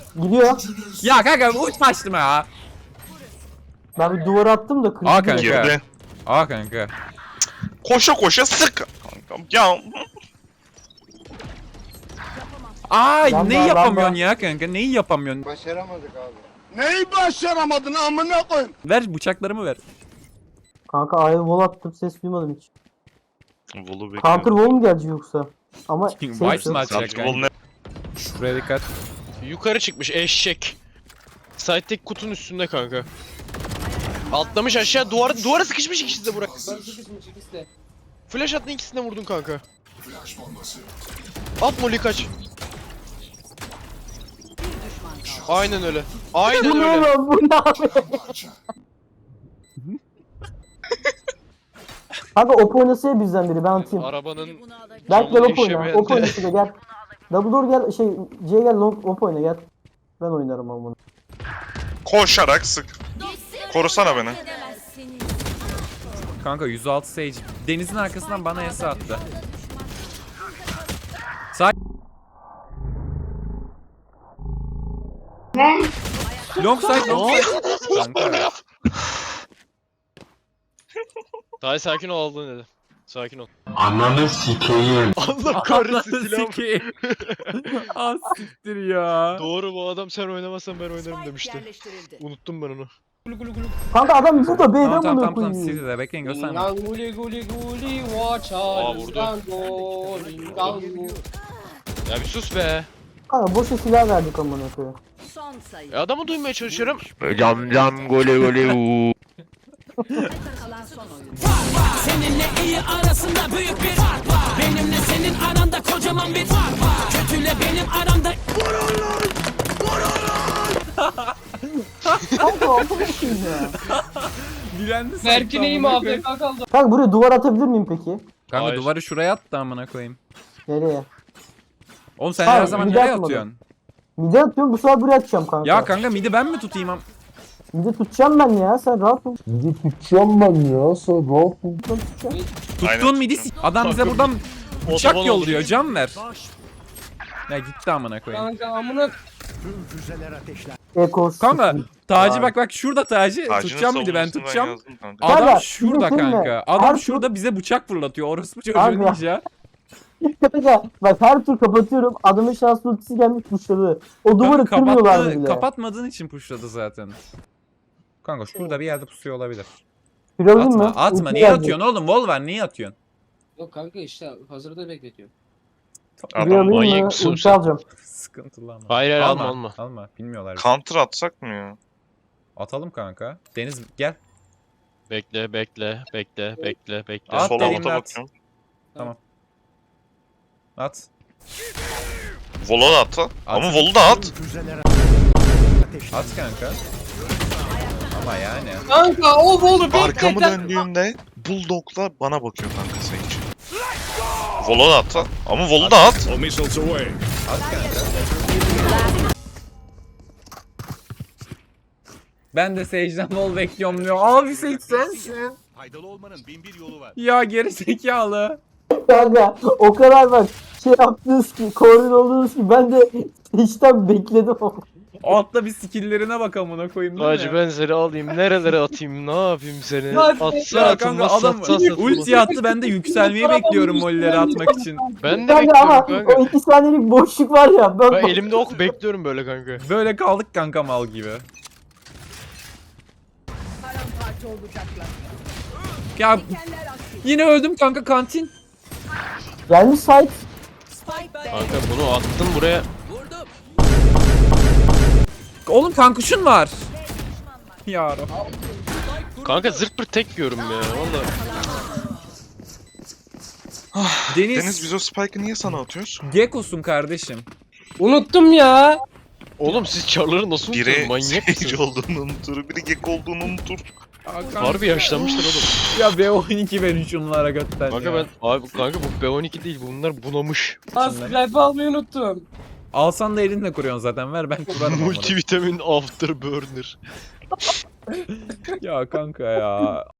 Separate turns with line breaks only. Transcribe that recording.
Gidiyor.
Ya kanka uçmaştım ya.
Ben bir duvara attım da
Aa
kırıldı.
kanka.
Girdi.
Aa kanka.
Koşa koşa sık. Kankam ya.
Ay
Lamba,
neyi yapamıyorsun
lamba.
ya kanka? Neyi yapamıyorsun?
Başaramadık abi.
Neyi başaramadın amına koyayım?
Ver bıçaklarımı ver.
Kanka A'ya wall attım, ses duymadım hiç.
Volu
Counter
bekliyorum.
wall mu gelecek yoksa? Ama
Wipe mi
ses yok.
atacak
Counter wall
kanka?
ne?
Şuraya dikkat.
Yukarı çıkmış eşek. Side'deki kutunun üstünde kanka. Atlamış aşağı duvara sıkışmış ikisi de Burak. Flash attın ikisini de vurdun kanka. At Molly kaç. Aynen öyle. Aynen
Bu ne
öyle.
lan, bu ne abi? Kanka op oynasaya bizden biri, ben atayım.
Arabanın
Berk gel op oyna,
eşemeyen
op
de-
oynası da gel. Double door gel, C'ye gel, op oyna gel. Ben oynarım ama bunu.
Koşarak sık. Korusana beni.
Kanka 106 Sage. Denizin arkasından bana ese attı. Sağ. Long side, long side. Kanka.
Daha sakin ol aldın dedi. Sakin ol.
Ananı sikeyim.
Allah kahretsin
Ananı
silahım.
sikeyim. Ah siktir ya.
Doğru bu adam sen oynamazsan ben oynarım demişti. Unuttum ben onu.
Kanka adam burada B'den
Tamam tamam
bunu
tamam tamam
koyuyor.
City'de bekleyin gösterme.
Guli guli guli watch
Aa, vurdu. Ya bir sus be.
Kanka boşa silah verdik amına koyayım.
Son sayı.
Adamı duymaya çalışıyorum.
Cam cam gole gole uuu.
Kalan son oyun.
Seninle iyi arasında büyük bir fark var. Benimle senin aranda kocaman bir fark var. Kötüyle benim aramda
Kanka altına koyayım ya.
Dilendi sanki
Berk'in iyi mi
amına
abi?
koyayım.
Kaldı.
Kanka buraya duvar atabilir miyim peki?
Kanka
Hayır.
duvarı şuraya attı amına koyayım.
Nereye?
Oğlum sen
Hayır,
her zaman
bir
nereye
atmadım.
atıyorsun?
Mide atıyorum, bu sefer buraya atacağım kanka.
Ya kanka midi ben mi tutayım am?
Mide tutacağım ben ya, sen rahat ol. Mide tutacağım ben ya, sen rahat ol. Ben tutacağım.
Tuttuğun midi adam bize buradan bıçak
Otoban
yolluyor can ver. Ya gitti amına koyayım.
Kanka amına
Ekos.
Kanka Taci
Vay.
bak şurada Taci
Tacının
tutacağım midi ben
savunmasını
tutacağım.
yazdım kanka.
Adam
Kanka,
şurada
bir de
kanka.
filme,
Adam
her
şurada bize bıçak fırlatıyor. Orospu çocuğu
Abi ya.
ninja.
Kanka bak her tur kapatıyorum, adamın şans ultisi gelmiş tuşladı. O duvarı kırmıyorlardı bile.
Kapatmadığın için pushladı zaten. Kanka şurada bir yerde pusuyor olabilir.
Kırıldın
Atma
mı?
atma
Ulti
niye
geldi.
atıyorsun oğlum? Vol var niye atıyorsun?
Yok kanka işte hazırda bekletiyor.
Buraya
Adam
alayım
manyak
mı?
mısın
Ulti
sen?
alacağım.
Sıkıntılı ama.
Hayır, hayır, alma, alma.
Alma bilmiyorlar.
counter atsak mı ya?
Atalım kanka. Deniz gel.
Bekle bekle bekle bekle bekle.
At
Sol
dediğimde
avuta
at.
bakıyorum.
At.
Vol'u da at. Ama
At.
Vol'u da at.
At kanka. Ama yani.
Kanka o bolu bekle.
Arkamı döndüğümde Bulldog'la bana bakıyor kanka Sage. Vol'u da at. Ama Vol'u da at.
At kanka. Ben de Sage'den Vol bekliyorum diyor. Abi Sage sensin.
Faydalı olmanın bin bir yolu var.
Ya geri zekalı.
Kanka o kadar bak şey yaptınız ki, koordin oldunuz ki ben de işten bekledim ama.
Altta bir skill'lerine bak amına koyayım değil
Hacı
mi?
ben seni alayım nerelere atayım ne yapayım seni?
Hadi.
Atsa
Ya
atılmaz
kanka adam
satsa satılmaz.
ulti attı ben de yükselmeyi bekliyorum molleri atmak için.
Ben de
Kanka ama
bekliyorum kanka.
o 2 saniyelik boşluk var ya.
Ben elimde ok bekliyorum böyle kanka.
Böyle kaldık kanka mal gibi.
Paramparça olacaklar.
Ya
Dikenler aktif.
yine öldüm kanka kantin.
Gelmiş site.
Spike Bey.
Kanka bunu attım buraya.
Oğlum kankuşun var. Ya Rab.
Kanka zırt pırt tek yiyorum ya valla.
Deniz biz o spike'ı niye sana atıyoruz?
Gekko'sun kardeşim.
Unuttum ya.
Oğlum siz çarları nasıl
Biri
unutuyorsunuz manyak
Sage
mısınız?
olduğunu unutur, biri Gek olduğunu unutur.
Harbi yaşlanmışlar oğlum.
Ya B12 verin şunlara götten
Kanka
ya.
ben abi kanka bu B12 değil bunlar bunamış.
Skype almayı unuttum.
Alsan da elinle kuruyorsun zaten ver ben kurarım amına.
Multivitamin afterburner.
Ya kanka ya.